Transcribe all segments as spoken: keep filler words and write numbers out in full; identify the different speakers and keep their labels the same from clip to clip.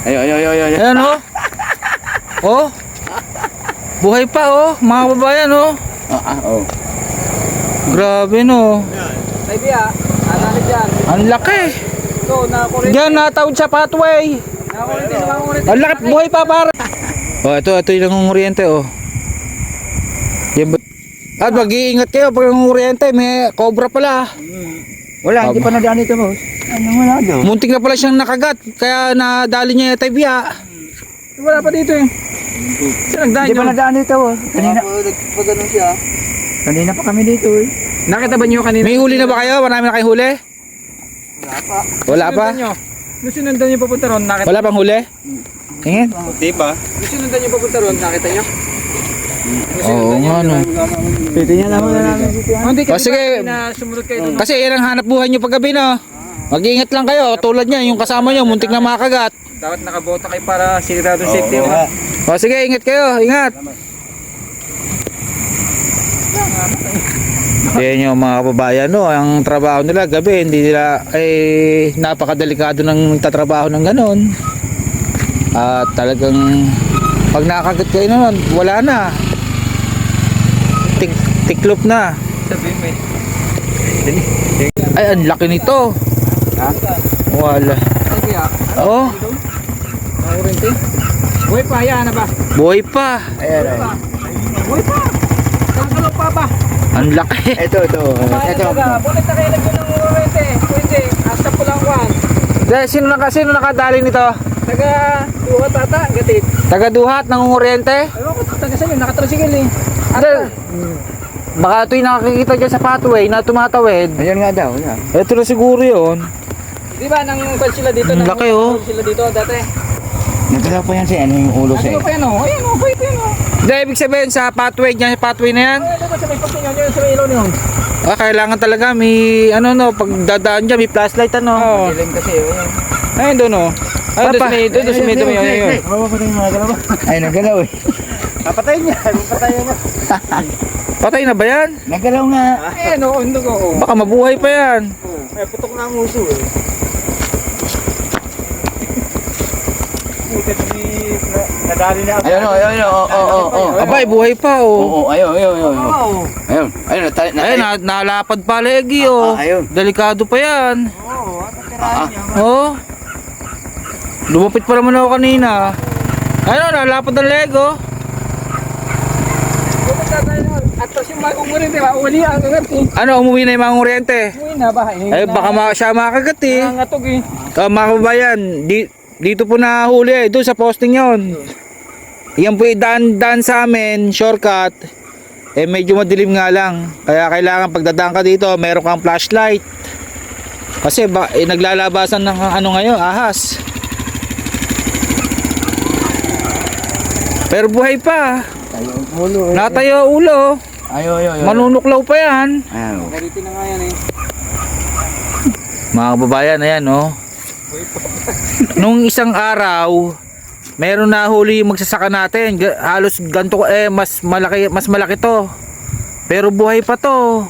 Speaker 1: Ayo, ayo, ayo, ayo.
Speaker 2: Ayan oh. Oh. Buhay pa oh, mga kababayan oh.
Speaker 1: Ah, ah, oh.
Speaker 2: Grabe no.
Speaker 3: Ay biya, analit yan.
Speaker 2: Ang laki.
Speaker 3: So, nakakulit.
Speaker 2: Diyan natawid sa pathway.
Speaker 3: Nakakulit din, nakakulit.
Speaker 2: Ang laki, buhay pa para. Oh, ito, ito yung nangunguryente oh. Yan ba- At mag-iingat kayo pag nangunguryente, may cobra pala.
Speaker 1: Wala, hindi pa nadaan ito, boss. Ano, wala daw.
Speaker 2: Muntik na pala siyang nakagat, kaya nadali niya yung tibia.
Speaker 3: Wala pa dito eh. Saan nagdaan
Speaker 1: Hindi pa
Speaker 3: nyo?
Speaker 1: nadaan ito, boss. Kanina.
Speaker 3: Nagpagano siya.
Speaker 1: Kanina pa kami dito, eh.
Speaker 3: Nakita ba nyo kanina?
Speaker 2: May huli na ba kayo? Marami na kayo huli?
Speaker 3: Wala pa.
Speaker 2: Wala pa?
Speaker 3: Sinundan nyo. Nung sinundan nyo papunta ron, nakita.
Speaker 2: Wala pang huli? Tingin?
Speaker 3: Di ba? Nung sinundan nyo papunta ron, nakita nyo?
Speaker 2: Oo nga no.
Speaker 1: Titingnan naman na namin dito.
Speaker 3: Oh, hindi
Speaker 2: O,
Speaker 3: kasi
Speaker 2: sige.
Speaker 3: na sumunod kayo doon.
Speaker 2: Kasi yan ang hanap buhay nyo paggabi no. Mag-iingat lang kayo, tulad niya, yung kasama nyo, muntik na makagat.
Speaker 3: Dapat nakabota kayo para sigurado safety.
Speaker 1: Oo,
Speaker 3: Oh,
Speaker 2: O sige, ingat kayo, ingat. Yan yung mga kababayan no, ang trabaho nila gabi, hindi nila ay napakadelikado ng tatrabaho ng ganon. At talagang pag nakagat kayo naman, wala na. Tik tiklop na.
Speaker 3: sabihin mo eh.
Speaker 2: Ay, ang laki nito.
Speaker 1: Ha?
Speaker 2: Wala.
Speaker 3: Ay kaya,
Speaker 2: Oh,
Speaker 3: nakurente. Buhay pa, yan na ba?
Speaker 2: buhay pa.
Speaker 1: Ayan, ayan.
Speaker 3: Buhay pa! Sangkalok pa ba?
Speaker 2: Ang laki.
Speaker 1: Ito, ito. Ito.
Speaker 3: Bakit nakailag yun ng kurente? Pwede, hasta po lang kwan.
Speaker 2: Dahil sino naka sino nakadali nito?
Speaker 3: Taga, tuwa tata, gatid.
Speaker 2: Taga-duhat ng unguriente?
Speaker 3: Ayaw ko, taga sa'yo, nakatrasigil eh.
Speaker 2: Dahil baka ito'y nakakikita dyan sa pathway na tumatawid.
Speaker 1: Ayan nga daw. Ayan.
Speaker 2: Ito na siguro yun.
Speaker 3: Di ba, nang kwan sila dito?
Speaker 2: Ang
Speaker 3: nang-
Speaker 2: laki, oh.
Speaker 3: sila dito dati.
Speaker 1: Nagkala pa yan si ano yung ulo
Speaker 3: Ano
Speaker 1: siya.
Speaker 3: ba pa yan oh? Ayan oh, buhay pa yan oh.
Speaker 2: Dahil ibig sabihin sa pathway dyan, sa pathway na yan.
Speaker 3: Ay, ano ba sa may pagkinyo nyo, sa may ilaw niyo?
Speaker 2: Ah, kailangan talaga may ano no, pag dadaan dyan, may flashlight ano.
Speaker 3: Oo. Dilim kasi oh.
Speaker 2: Ayun doon oh.
Speaker 3: Ay, doon
Speaker 2: Papa.
Speaker 3: sa may, doon sa may, doon sa may, yun.
Speaker 1: Mapapatay yung mga galaw. Ay, nagalaw eh.
Speaker 3: Papatayin niya, papatayin niya.
Speaker 2: Patay na ba yan?
Speaker 1: Nagalaw nga.
Speaker 3: Ayan oh, undog oh.
Speaker 2: Baka mabuhay pa yan.
Speaker 3: Ay, putok na ang uso eh. Nadali na ako.
Speaker 1: Ayun, oh, ayun, oh, oh, oh, oh.
Speaker 2: Abay, buhay pa
Speaker 1: Oo,
Speaker 2: oh.
Speaker 1: oh, ayun, ayun, ayun. ayun.
Speaker 3: Oo.
Speaker 1: Ayun, ayun, natay, natay.
Speaker 2: Ayun, na, nalapad pa legi oh.
Speaker 1: Ah, ayun.
Speaker 2: Delikado pa yan.
Speaker 3: Oo, at tirahin niya.
Speaker 2: Oh. Lumapit pa naman ako kanina. Ayun, nalapad ang lego.
Speaker 3: Pupunta tayo naman. At tapos yung mga umurin, di ba? Uli ang kagat eh.
Speaker 2: Ano, umuwi na yung mga kuryente.
Speaker 3: Uwi na ba?
Speaker 2: Eh, baka ma siya makagat eh.
Speaker 3: Nangangatog eh.
Speaker 2: Uh, mga kababayan, di, dito po nahuli eh. Doon sa posting yon. Yan po yung daan-daan sa amin, shortcut. Eh, medyo madilim nga lang. Kaya kailangan pagdadaan ka dito, meron kang flashlight. Kasi ba, eh, naglalabasan ng ano ngayon, ahas. Pero buhay pa.
Speaker 1: Tayo ang ulo eh.
Speaker 2: Natayo ulo.
Speaker 1: Ayun, ayun, ayun.
Speaker 2: Manunuklaw pa yan.
Speaker 1: Ayun.
Speaker 3: Ganito na nga yan eh.
Speaker 2: Mga kababayan, ayan oh. Nung isang araw, meron na huli yung magsasaka natin. Ga- Halos ganto eh mas malaki mas malaki to. Pero buhay pa to.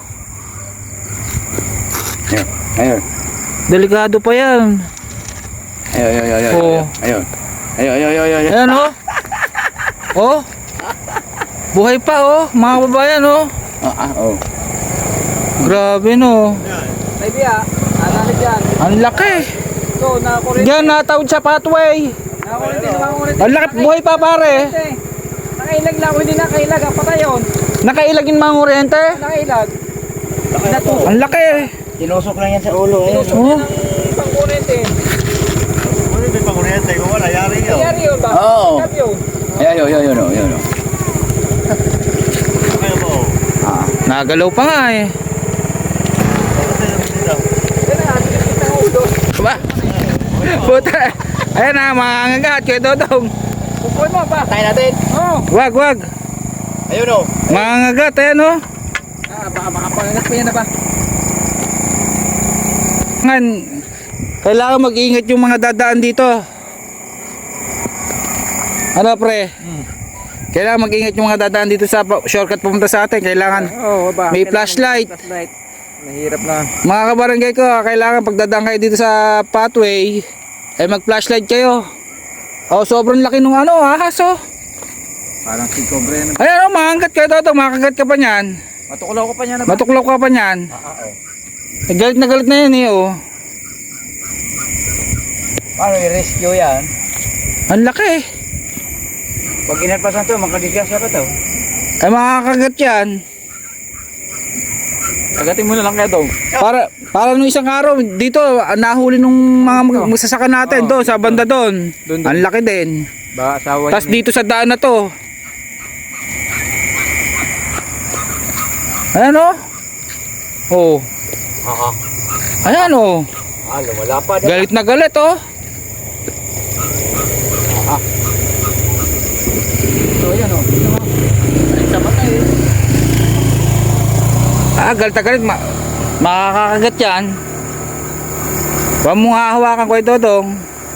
Speaker 1: Ayun, ayun.
Speaker 2: Delikado pa yan.
Speaker 1: Ayun, ayun, ayun,
Speaker 2: Oo.
Speaker 1: ayun. Ayun. Ayun, ayun, ayun, ayun.
Speaker 2: Ayan oh. Oh. Buhay pa oh, mga kababayan oh.
Speaker 1: Ah, ah, oh.
Speaker 2: Grabe no.
Speaker 3: Ay biya, analit yan.
Speaker 2: Ang laki.
Speaker 3: So, nakakulit.
Speaker 2: Diyan natawid sa pathway.
Speaker 3: Nakakulit din, nakakulit.
Speaker 2: Ang laki, buhay pa pare.
Speaker 3: Nakailag lang, hindi nakailag. Ang patay yun.
Speaker 2: Nakailag yung mga kuryente.
Speaker 3: Nakailag. Natusok.
Speaker 2: Ang laki.
Speaker 1: Tinusok lang yan sa ulo eh.
Speaker 3: Tinusok
Speaker 2: Oh.
Speaker 3: niya ng pangkurente.
Speaker 4: Ano may pakuryente ko wala, yari yun.
Speaker 3: Nangyari yun ba?
Speaker 1: Oo.
Speaker 3: Sabi yun.
Speaker 1: Ayun, ayun, ayun, ayun, ayun.
Speaker 4: Kaya mo,
Speaker 1: Ah.
Speaker 2: Nagalaw pa nga eh.
Speaker 4: kasi naman dito.
Speaker 3: Yan na, tinipit ng ulo.
Speaker 2: Ba? Puta. Ayan na, mga angagat kay Dodong.
Speaker 3: Pupuin mo ba?
Speaker 1: Tayo natin.
Speaker 3: Oo.
Speaker 2: Wag, wag.
Speaker 4: Ayun o.
Speaker 2: Mga angagat, ayan oh.
Speaker 3: Ah, baka makapanganak pa yan na ba?
Speaker 2: Ngan, kailangan mag-ingat yung mga dadaan dito. Ano pre? Kailangan mag-ingat yung mga dadaan dito sa pa- shortcut pumunta sa atin. Kailangan
Speaker 3: Oo ba?
Speaker 2: may flashlight.
Speaker 3: Flashlight. Mahirap na.
Speaker 2: Mga kabarangay ko, kailangan pagdadaan kayo dito sa pathway, ay mag-flashlight kayo. Oh, sobrang laki nung ano, ahas oh.
Speaker 1: Parang si Cobra yan.
Speaker 2: Ayan oh, makakagat ka ito, makakagat ka pa niyan.
Speaker 1: Matuklaw ko pa niya na ba?
Speaker 2: Matuklaw ka pa niyan.
Speaker 1: Ah, ah, oh.
Speaker 2: Eh, galit na galit na yan eh oh.
Speaker 1: Paano i-rescue yan?
Speaker 2: Ang laki eh.
Speaker 1: Pag inalpasan to, makadisgasya pa to.
Speaker 2: Ay makakagat yan.
Speaker 1: Agatin mo na lang kaya dong.
Speaker 2: Para para nung isang araw dito ah, nahuli nung mga mag- magsasaka natin
Speaker 1: Oo,
Speaker 2: doon sa banda doon.
Speaker 1: Doon, doon.
Speaker 2: Ang laki din.
Speaker 1: Ba, asawa
Speaker 2: Tapos dito sa daan na to. Ayan oh. Oh.
Speaker 1: Oo.
Speaker 2: Ayan oh.
Speaker 1: Ah, lumala pa.
Speaker 2: Galit na galit oh.
Speaker 1: So, yan o. Ito mo. Ay, sa mata eh.
Speaker 2: Ah, galit na galit. Ma- makakagat yan. Huwag mong hahawakan ko ito dong.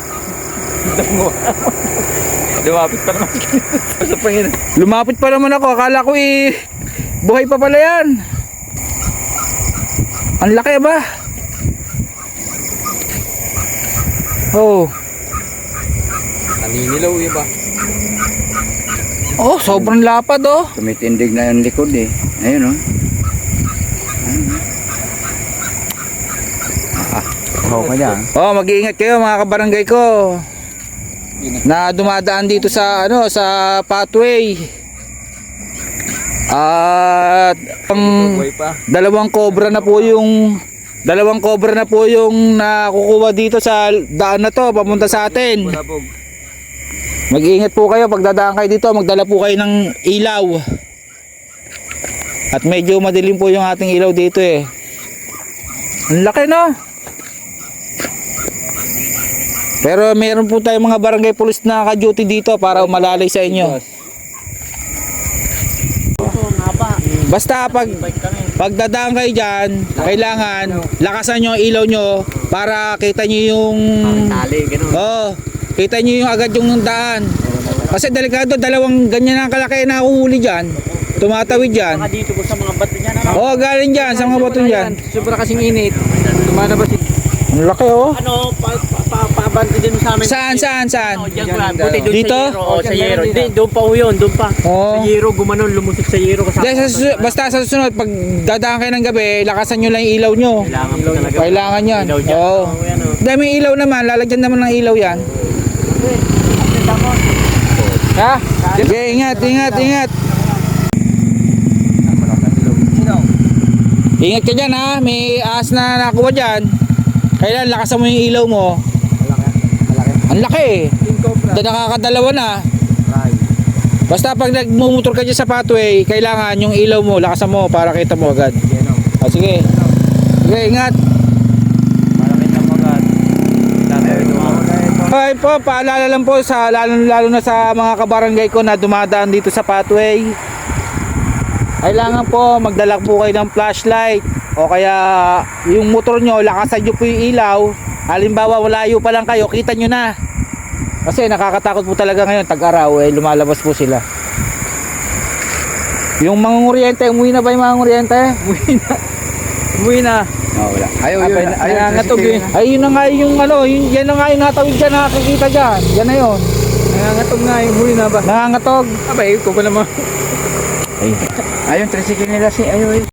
Speaker 1: Lumapit pa naman. Sa pangin.
Speaker 2: Lumapit pa naman ako. Akala ko eh. Buhay pa pala yan. Ang laki ba? Oh.
Speaker 1: Naninilaw eh ba?
Speaker 2: Oh, sobrang lapad oh.
Speaker 1: Tumitindig na yung likod eh. Ayun o. Ah, oh, kanya.
Speaker 2: Oh, mag-iingat kayo mga kabarangay ko. Na dumadaan dito sa ano, sa pathway. At ang
Speaker 1: Buhay pa.
Speaker 2: dalawang cobra na po yung dalawang cobra na po yung nakukuha dito sa daan na to papunta sa atin.
Speaker 1: Bulabog.
Speaker 2: Mag-iingat po kayo pag dadaan kayo dito, magdala po kayo ng ilaw. At medyo madilim po yung ating ilaw dito eh. Ang laki no? Pero meron po tayong mga barangay police na ka-duty dito para umalalay sa inyo. Basta pag pagdadaan kayo dyan, kailangan lakasan nyo ang ilaw nyo para kita nyo yung
Speaker 1: Tali, ganun.
Speaker 2: oh, kita nyo yung agad yung daan. Kasi delikado, dalawang ganyan ang kalaki na nakuhuli dyan. Tumatawid dyan.
Speaker 3: Baka dito po sa mga bato niyan. Ano?
Speaker 2: Oh, galing dyan sa mga bato dyan.
Speaker 3: Sobra kasing init. Lumalabas yung
Speaker 2: Ang laki oh.
Speaker 3: ano, pa, pa, pa, paabante din sa amin.
Speaker 2: Saan, saan, saan?
Speaker 3: Oh, diyan ko lang. Buti doon
Speaker 2: Dito?
Speaker 3: sa Yero. Oh, sa Yero. Hindi, doon pa ho yun, doon pa.
Speaker 2: Oh.
Speaker 3: Sa Yero, gumanon, lumusot sa Yero. Kasama.
Speaker 2: Dahil sa susunod, basta sa susunod, pag dadaan kayo ng gabi, lakasan nyo lang yung ilaw nyo.
Speaker 3: Kailangan po talaga.
Speaker 2: Kailangan yan.
Speaker 3: Ilaw dyan.
Speaker 2: Oo.
Speaker 3: Oh, yan, oh.
Speaker 2: Dahil may ilaw naman, lalagyan naman ng ilaw yan. Ha? Sige, ingat, ingat, ingat. Ingat ka dyan ha, may ahas na nakuha dyan. Kailan lakasan mo yung ilaw mo. Ang laki eh. Da nakakadalawa na. Basta pag nagmumotor ka dyan sa pathway, kailangan yung ilaw mo, lakasan mo para kita mo agad. O sige. Sige, ingat. Okay po, paalala lang po sa lalo, lalo na sa mga kabarangay ko na dumadaan dito sa pathway. Kailangan po magdala po kayo ng flashlight o kaya yung motor nyo, lakasan nyo po yung ilaw. Halimbawa malayo pa lang kayo, kita nyo na. Kasi nakakatakot po talaga ngayon, tag-araw eh, lumalabas po sila. Yung mga nguryente, umuwi na ba yung mga nguryente?
Speaker 3: Umuwi na. Umuwi na.
Speaker 1: Oh, wala. Ayaw
Speaker 3: Abay,
Speaker 1: yun.
Speaker 3: na-
Speaker 1: Ayaw
Speaker 3: nangangatog eh.
Speaker 2: Ay yun na nga yung ano, yun, yan na nga yung natawid dyan, nakakikita dyan. Yan na yun.
Speaker 3: Nangangatog nga yung umuwi na ba?
Speaker 2: Nangangatog.
Speaker 3: Abay, ko pa naman.
Speaker 1: Ay. Ayun, tricycle nila si. Ayaw yun.